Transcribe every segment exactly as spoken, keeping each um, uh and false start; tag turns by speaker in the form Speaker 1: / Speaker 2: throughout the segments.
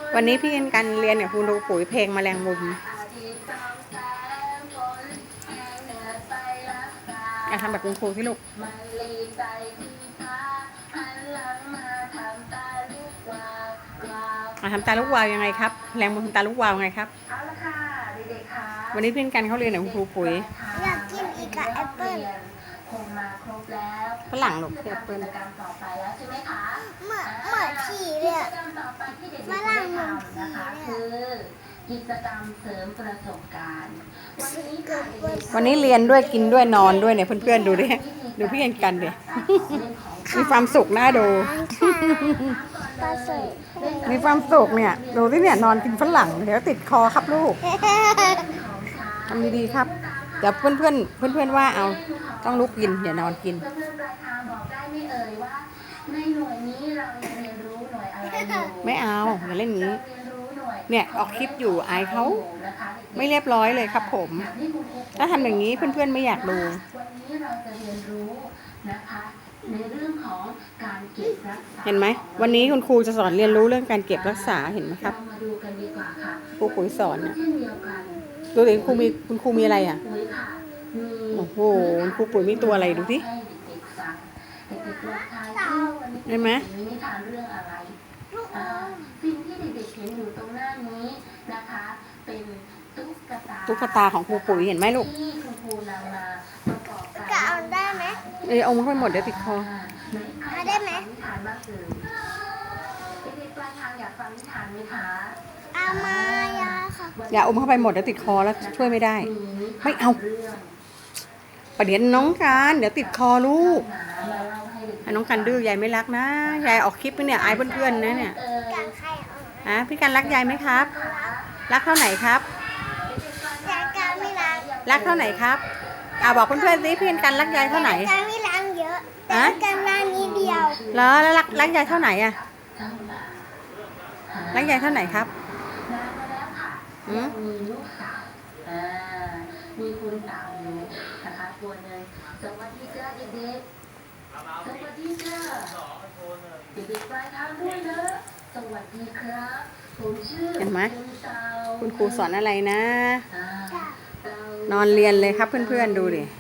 Speaker 1: วันนี้พี่เอ็นกันเรียนกับคุณครูปุ๋ยเพลงแมลงมุมอ่ะทำแบบคุณครูที่ลูกอ่ะทำตาลูกวาวยังไงครับแรงมุมตาลูกวาวยังไงครับวันนี้พี่เอ็นกันเขาเรียนกับคุณครูปุ๋ย
Speaker 2: อยากกินอีกอะแอปเปิ้ล
Speaker 1: ฝรั่งหรอกแอปเปิ้ล
Speaker 2: เหมือนเหมือนผีเลยอะฝรั่งเหมือนผีเลย
Speaker 3: กิจกรรมเสริมประสบการณ์วันนี้ค่ะ
Speaker 1: วันนี้เรียนด้วยกินด้วยนอนด้วยเนี่ยเพื่อนๆดูดิดูพี่เอ็นกันดิมีความสุขน่าดู
Speaker 2: ปลาสุก
Speaker 1: มีความสุขเนี่ยดูที่เนี่ยนอนกินฝรั่งเดี๋ยวติดคอครับลูกทำดีๆครับเดี๋ยวเพื่อนๆเพื่อนๆว่าเอาต้องลุกกินอย่านอนกิน
Speaker 3: เพื่อนๆปลายทางบอกได้ไม่เอ่ยว่าในหน่วยนี้เราเรียนรู้หน่วยอะไรอยู่
Speaker 1: ไม่เอาอย่าเล่นงี้เนี่ยออกคลิปอยู่อายเขาไม่เรียบร้อยเลยครับผมถ้าทำอย่างนี้เพื่อนๆไม่อยากดู
Speaker 3: วันนี้เราจะเรียนรู้นะคะในเรื่องของการเก็บรักษา
Speaker 1: เห็นไหมวันนี้คุณครูจะสอนเรียนรู้เรื่องการเก็บรักษาเห็นไหมครับ
Speaker 3: มาดูกันดีกว่าค่ะ
Speaker 1: ครูปุ๋ยสอนเนี่ย
Speaker 3: เช่นเดียวกัน
Speaker 1: ดูดิครูมีคุณครูมีอะไรอ่ะ
Speaker 3: ปุ๋ยค่ะมี
Speaker 1: โอ้โหครูปุ๋ยมีตัวอะไรดูสิเห็นไหม
Speaker 3: นิทานเรื่องอะไรสิ่งที่เด็กๆเห็นอยู่ตรงหน้านี้นะคะเป็นตุ๊กตา
Speaker 1: ตุ๊กตาของครูปุ๋ยเห็นไหมลูก
Speaker 3: ที่คุณครูนำมาประกอบ
Speaker 2: กะเอาได้ไหม
Speaker 1: เออเอามาให้หมดเดี๋ยวติดคอ
Speaker 2: เอาได้ไหม
Speaker 3: นิทานบ้างเอ่ยเด็กๆปลายทางอยากฟังนิทานไหมคะ
Speaker 2: เอามายาค่ะ
Speaker 1: อย่าอมเข้าไปหมดเดี๋ยวติดคอแล้วช่วยไม่ได้ไม่เอาประเดี๋ยวน้องการเดี๋ยวติดคอลูกน้องกันดื้อยายไม่รักนะยายออกคลิปไปเนี่ยอายเพื่อนๆนะเนี่ย
Speaker 2: การใคร
Speaker 1: อ่ะพี่กันรักยายไหมครับรักเท่าไหนครับ
Speaker 2: ยายการไม่รัก
Speaker 1: รักเท่าไหนครับอ่าบอกเพื่อนๆสิพี่กันรักยายเท่าไหน
Speaker 2: การไม่รักเยอะแต่การรักนิดเดียว
Speaker 1: แล้วแล้วรักรักยายเท่าไหนอ่ะรักยายเท่าไหนครับ
Speaker 3: อืมมีลูกสาวอ่ามีคุณสาวอยู่นะคะตัวหนึ่งสวัสดีจ้าเด็กๆสวัสดีจ้าเด็กๆปลายทางด้วยนะสวัสดีครับผมชื่อ
Speaker 1: เห็นไหม
Speaker 3: คุณสาว
Speaker 1: คุณครูสอนอะไรนะนอนเรียนเลยครับเพื่อนๆดูดิ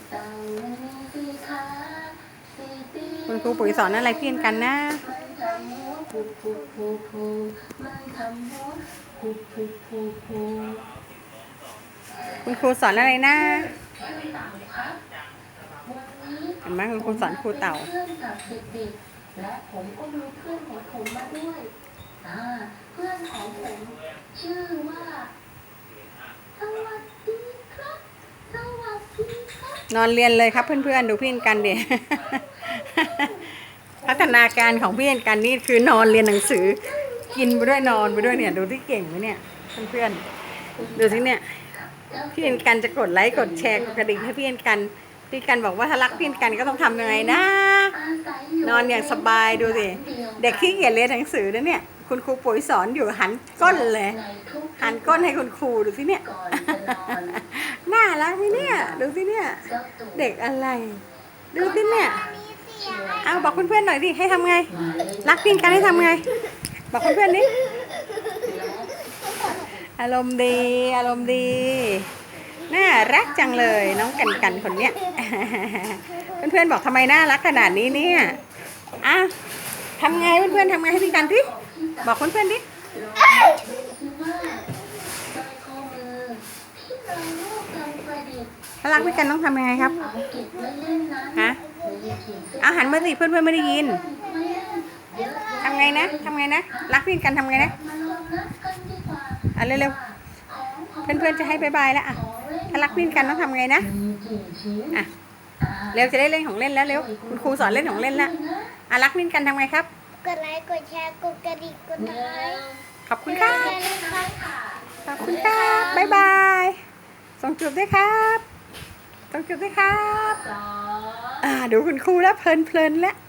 Speaker 1: คุณครูปุ๋ยสอนอะไรพี่กันนะคุณครูสอนอะไรนะเห็นไหมคุณครูสอนครูเต่า
Speaker 3: และผมก็มีเพื่อนของผมมาด้วยเพื่อนของผมชื่อว่าสวัสดีครับสวัสดีครับ
Speaker 1: นอนเรียนเลยครับเพื่อนๆดูพี่กันดิพัฒนาการของพี่กันนี่คือนอนเรียนหนังสือกินไปด้วยนอนไปด้วยเนี่ยดูที่เก่งไหมเนี่ยเพื่อนๆดูที่เนี่ยพี่กันจะกดไลค์กดแชร์กดกระดิ่งให้พี่กันพี่กันบอกว่าถ้ารักพี่กันก็ต้องทำยังไงนะนอนอย่างสบายดูสิเด็กขี้เกียจเรียนหนังสือนะเนี่ยคุณครูปุ๋ยสอนอยู่หันก้นเลยหันก้นให้คุณครูดูสิเนี่ยน่ารักไหมเนี่ยดูสิเนี่ยเด็กอะไรดูสิเนี่ยเอาบอกเพื่อนๆหน่อยดิให้ทำไงรักพี่กันให้ทำไงบอกเพื่อนๆดิอารมณ์ดีอารมณ์ดีน่ารักจังเลยน้องกันกันคนเนี้ยเพื่อนๆบอกทำไมน่ารักขนาดนี้เนี่ยอ่ะทำไงเพื่อนๆทำไงให้พี่กันดิบอกเพื่อนๆดิถ้ารักพี่กันต้องทำยังไงครับฮะเอาหันมาสิเพื่อนๆไม่ได้ยินทำไงนะทำไงนะรักพี่กันทำไงนะอ่ะเร็วๆเพื่อนๆจะให้บายบายแล้วอ่ะถ้ารักพี่กันต้องทำไงนะอ่ะเร็วจะได้เล่นของเล่นแล้วเร็วคุณครูสอนเล่นของเล่นแล้วอ่ะรักพี่กันทำไงครับ
Speaker 2: กดไลค์กดแชร์กดกระดิ่งกดไลค์
Speaker 1: ขอบคุณครับขอบคุณครับบ๊ายบายส่งจูบด้วยครับส่งจูบด้วยครับอ่าดูคุณครูแล้วเพลินๆแล้ว